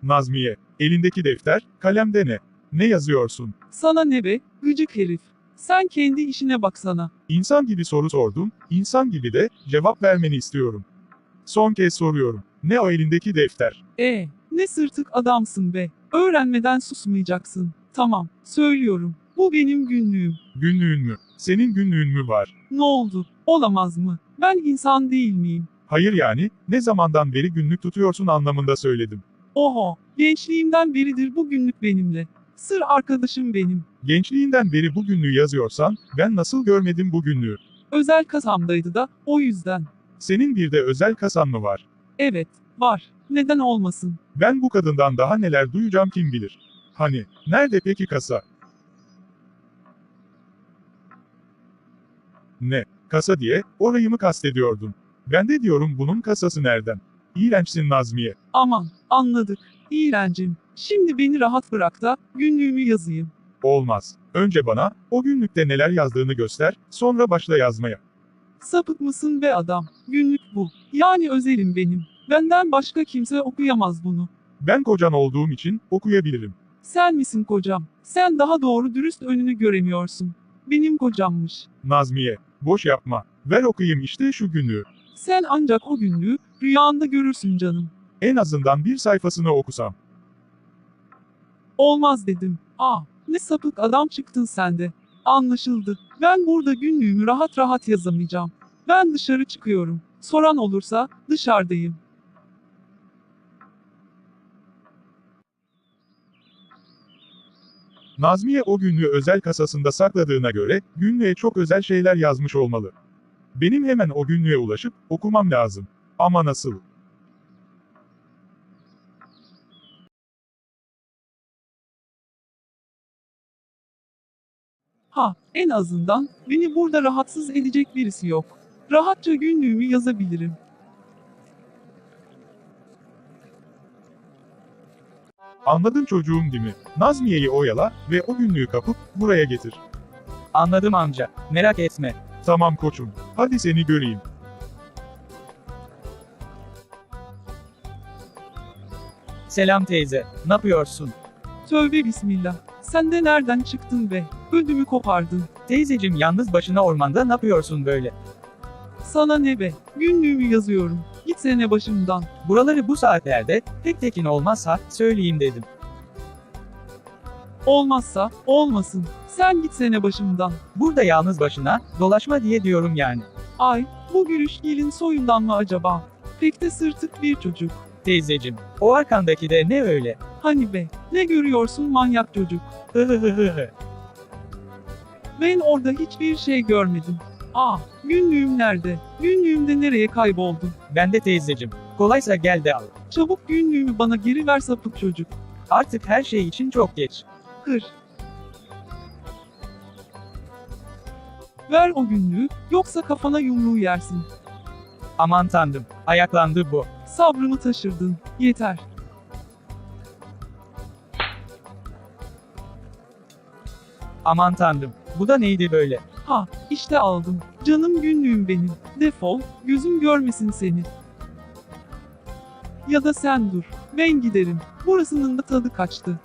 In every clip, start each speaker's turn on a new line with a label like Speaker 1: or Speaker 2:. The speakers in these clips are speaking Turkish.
Speaker 1: Nazmiye, elindeki defter, kalemde ne? Ne yazıyorsun?
Speaker 2: Sana ne be, gıcık herif. Sen kendi işine baksana.
Speaker 1: İnsan gibi soru sordum, insan gibi de cevap vermeni istiyorum. Son kez soruyorum. Ne o elindeki defter?
Speaker 2: Ne sırtık adamsın be. Öğrenmeden susmayacaksın. Tamam, söylüyorum. Bu benim günlüğüm.
Speaker 1: Günlüğün mü? Senin günlüğün mü var?
Speaker 2: Ne oldu? Olamaz mı? Ben insan değil miyim?
Speaker 1: Hayır yani, ne zamandan beri günlük tutuyorsun anlamında söyledim.
Speaker 2: Oho, gençliğimden beridir bu günlük benimle. Sır arkadaşım benim.
Speaker 1: Gençliğinden beri bu günlüğü yazıyorsan, ben nasıl görmedim bu günlüğü?
Speaker 2: Özel kasamdaydı da, o yüzden.
Speaker 1: Senin bir de özel kasan mı var?
Speaker 2: Evet, var. Neden olmasın?
Speaker 1: Ben bu kadından daha neler duyacağım kim bilir. Hani, nerede peki kasa? Ne, kasa diye, orayı mı kastediyordun? Ben de diyorum bunun kasası nereden? İğrençsin Nazmiye.
Speaker 2: Aman, anladık. İğrencim. Şimdi beni rahat bırak da, günlüğümü yazayım.
Speaker 1: Olmaz. Önce bana, o günlükte neler yazdığını göster, sonra başla yazmaya.
Speaker 2: Sapık mısın be adam? Günlük bu. Yani özelim benim. Benden başka kimse okuyamaz bunu.
Speaker 1: Ben kocan olduğum için, okuyabilirim.
Speaker 2: Sen misin kocam? Sen daha doğru dürüst önünü göremiyorsun. Benim kocammış.
Speaker 1: Nazmiye, boş yapma. Ver okuyayım işte şu günlüğü.
Speaker 2: Sen ancak o günlüğü rüyanda görürsün canım.
Speaker 1: En azından bir sayfasını okusam.
Speaker 2: Olmaz dedim. Ne sapık adam çıktın sen de. Anlaşıldı. Ben burada günlüğümü rahat rahat yazamayacağım. Ben dışarı çıkıyorum. Soran olursa dışarıdayım.
Speaker 1: Nazmiye o günlüğü özel kasasında sakladığına göre, günlüğe çok özel şeyler yazmış olmalı. Benim hemen o günlüğe ulaşıp, okumam lazım. Ama nasıl?
Speaker 2: En azından beni burada rahatsız edecek birisi yok. Rahatça günlüğümü yazabilirim.
Speaker 1: Anladın çocuğum değil mi? Nazmiye'yi oyala ve o günlüğü kapıp, buraya getir.
Speaker 3: Anladım amca. Merak etme.
Speaker 1: Tamam koçum. Hadi seni göreyim.
Speaker 3: Selam teyze. Ne yapıyorsun?
Speaker 2: Tövbe bismillah. Sen de nereden çıktın be? Ödümü kopardın.
Speaker 3: Teyzecim yalnız başına ormanda ne yapıyorsun böyle?
Speaker 2: Sana ne be? Günlüğümü yazıyorum. Gitsene başımdan.
Speaker 3: Buraları bu saatlerde tek tekin olmazsa söyleyeyim dedim.
Speaker 2: Olmazsa olmasın. Sen gitsene başımdan.
Speaker 3: Burada yalnız başına dolaşma diye diyorum yani.
Speaker 2: Ay, bu gülüş gelin soyundan mı acaba? Pek de sırtık bir çocuk.
Speaker 3: Teyzecim, o arkandaki de ne öyle?
Speaker 2: Hani be, ne görüyorsun manyak çocuk?
Speaker 3: Hıhıhıhı.
Speaker 2: Ben orada hiçbir şey görmedim. Günlüğüm nerede? Günlüğüm de nereye kayboldu?
Speaker 3: Ben de teyzecim. Kolaysa gel de al.
Speaker 2: Çabuk günlüğümü bana geri ver sapık çocuk.
Speaker 3: Artık her şey için çok geç.
Speaker 2: Hır. Ver o günlüğü, yoksa kafana yumruğu yersin.
Speaker 3: Aman tanrım, ayaklandı bu.
Speaker 2: Sabrımı taşırdın. Yeter.
Speaker 3: Aman tanrım, bu da neydi böyle?
Speaker 2: İşte aldım. Canım günlüğüm benim. Defol, gözüm görmesin seni. Ya da sen dur. Ben giderim. Burasının da tadı kaçtı.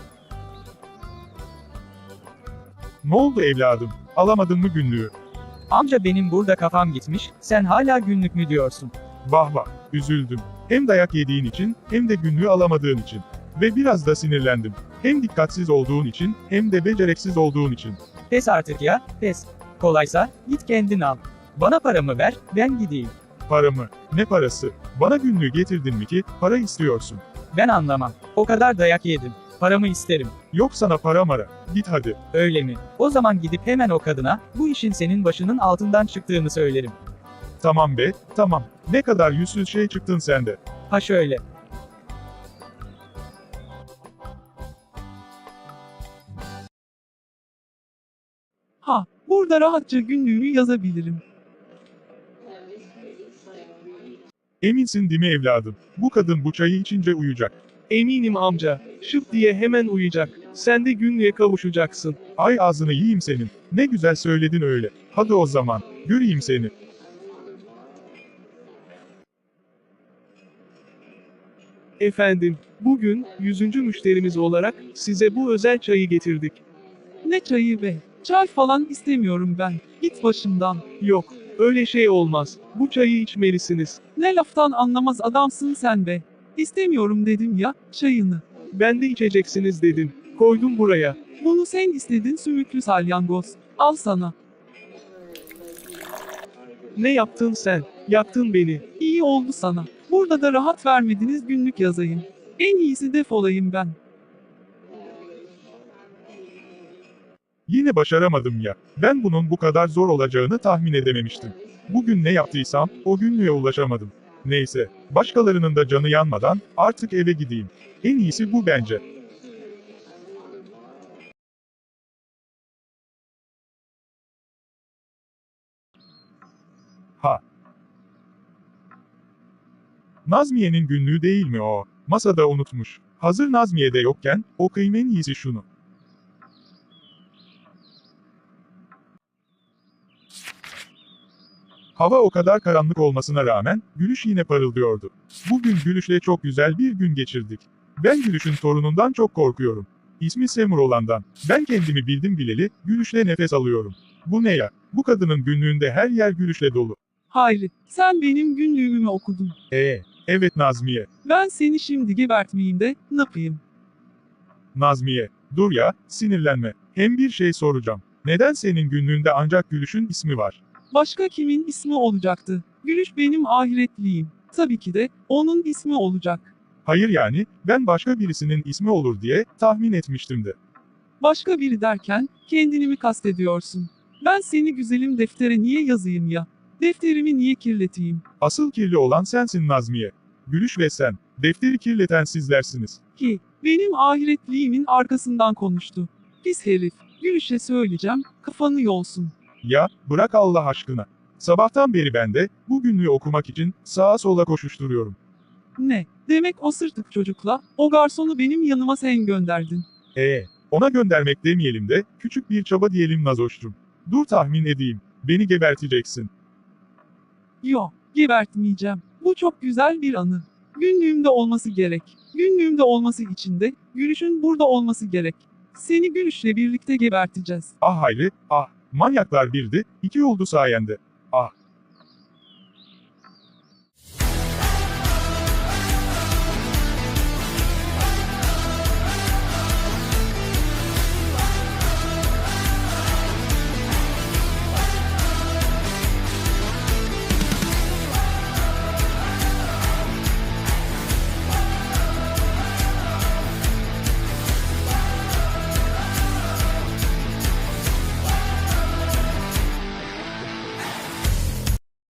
Speaker 1: Ne oldu evladım? Alamadın mı günlüğü?
Speaker 3: Amca benim burada kafam gitmiş, sen hala günlük mü diyorsun?
Speaker 1: Vah vah, üzüldüm. Hem dayak yediğin için, hem de günlüğü alamadığın için. Ve biraz da sinirlendim. Hem dikkatsiz olduğun için, hem de becereksiz olduğun için.
Speaker 3: Pes artık ya, pes. Kolaysa, git kendin al. Bana paramı ver, ben gideyim.
Speaker 1: Paramı? Ne parası? Bana günlüğü getirdin mi ki, para istiyorsun?
Speaker 3: Ben anlamam. O kadar dayak yedim. Paramı isterim.
Speaker 1: Yok sana para mara. Git hadi.
Speaker 3: Öyle mi? O zaman gidip hemen o kadına, bu işin senin başının altından çıktığını söylerim.
Speaker 1: Tamam be, tamam. Ne kadar yüzsüz şey çıktın sen de.
Speaker 3: Ha şöyle.
Speaker 2: Burada rahatça günlüğümü yazabilirim.
Speaker 1: Eminsin değil mi evladım? Bu kadın bu çayı içince uyuyacak.
Speaker 4: Eminim amca. Şıp diye hemen uyuyacak. Sen de günlüğe kavuşacaksın.
Speaker 1: Ay ağzını yiyeyim senin. Ne güzel söyledin öyle. Hadi o zaman. Göreyim seni.
Speaker 4: Efendim, bugün 100. müşterimiz olarak size bu özel çayı getirdik.
Speaker 2: Ne çayı be? Çay falan istemiyorum ben. Git başımdan.
Speaker 4: Yok, öyle şey olmaz. Bu çayı içmelisiniz.
Speaker 2: Ne laftan anlamaz adamsın sen be. İstemiyorum dedim ya, çayını.
Speaker 4: Ben de içeceksiniz dedim. Koydum buraya.
Speaker 2: Bunu sen istedin sümüklü salyangoz. Al sana.
Speaker 4: Ne yaptın sen? Yaktın beni.
Speaker 2: İyi oldu sana. Burada da rahat vermediniz günlük yazayım. En iyisi defolayım ben.
Speaker 1: Yine başaramadım ya. Ben bunun bu kadar zor olacağını tahmin edememiştim. Bugün ne yaptıysam, o günlüğe ulaşamadım. Neyse, başkalarının da canı yanmadan, artık eve gideyim. En iyisi bu bence. Ha. Nazmiye'nin günlüğü değil mi o? Masada unutmuş. Hazır Nazmiye de yokken, okuyayım en iyisi şunu. Hava o kadar karanlık olmasına rağmen, Gülüş yine parıldıyordu. Bugün Gülüş'le çok güzel bir gün geçirdik. Ben Gülüş'ün torunundan çok korkuyorum. İsmi Semur olandan. Ben kendimi bildim bileli, Gülüş'le nefes alıyorum. Bu ne ya? Bu kadının günlüğünde her yer Gülüş'le dolu.
Speaker 2: Hayri, sen benim günlüğümü mü okudun?
Speaker 1: Evet Nazmiye.
Speaker 2: Ben seni şimdi gebertmeyeyim de, ne yapayım?
Speaker 1: Nazmiye, dur ya, sinirlenme. Hem bir şey soracağım. Neden senin günlüğünde ancak Gülüş'ün ismi var?
Speaker 2: Başka kimin ismi olacaktı? Gülüş benim ahiretliyim. Tabii ki de, onun ismi olacak.
Speaker 1: Hayır yani, ben başka birisinin ismi olur diye tahmin etmiştim de.
Speaker 2: Başka biri derken, kendini mi kastediyorsun? Ben seni güzelim deftere niye yazayım ya? Defterimi niye kirleteyim?
Speaker 1: Asıl kirli olan sensin Nazmiye. Gülüş ve sen, defteri kirleten sizlersiniz.
Speaker 2: Ki, benim ahiretliğimin arkasından konuştu. Pis herif, Gülüş'e söyleyeceğim, kafanı yolsun.
Speaker 1: Ya, bırak Allah aşkına. Sabahtan beri ben de, bu günlüğü okumak için, sağa sola koşuşturuyorum.
Speaker 2: Ne? Demek o sırtık çocukla, o garsonu benim yanıma sen gönderdin.
Speaker 1: Ona göndermek demeyelim de, küçük bir çaba diyelim Nazoş'cum. Dur tahmin edeyim, beni geberteceksin.
Speaker 2: Yo, gebertmeyeceğim. Bu çok güzel bir anı. Günlüğümde olması gerek. Günlüğümde olması için de, Gülüş'ün burada olması gerek. Seni Gülüş'le birlikte geberteceğiz.
Speaker 1: Ah Hayri, ah, manyaklar birdi, iki oldu sayende. Ah,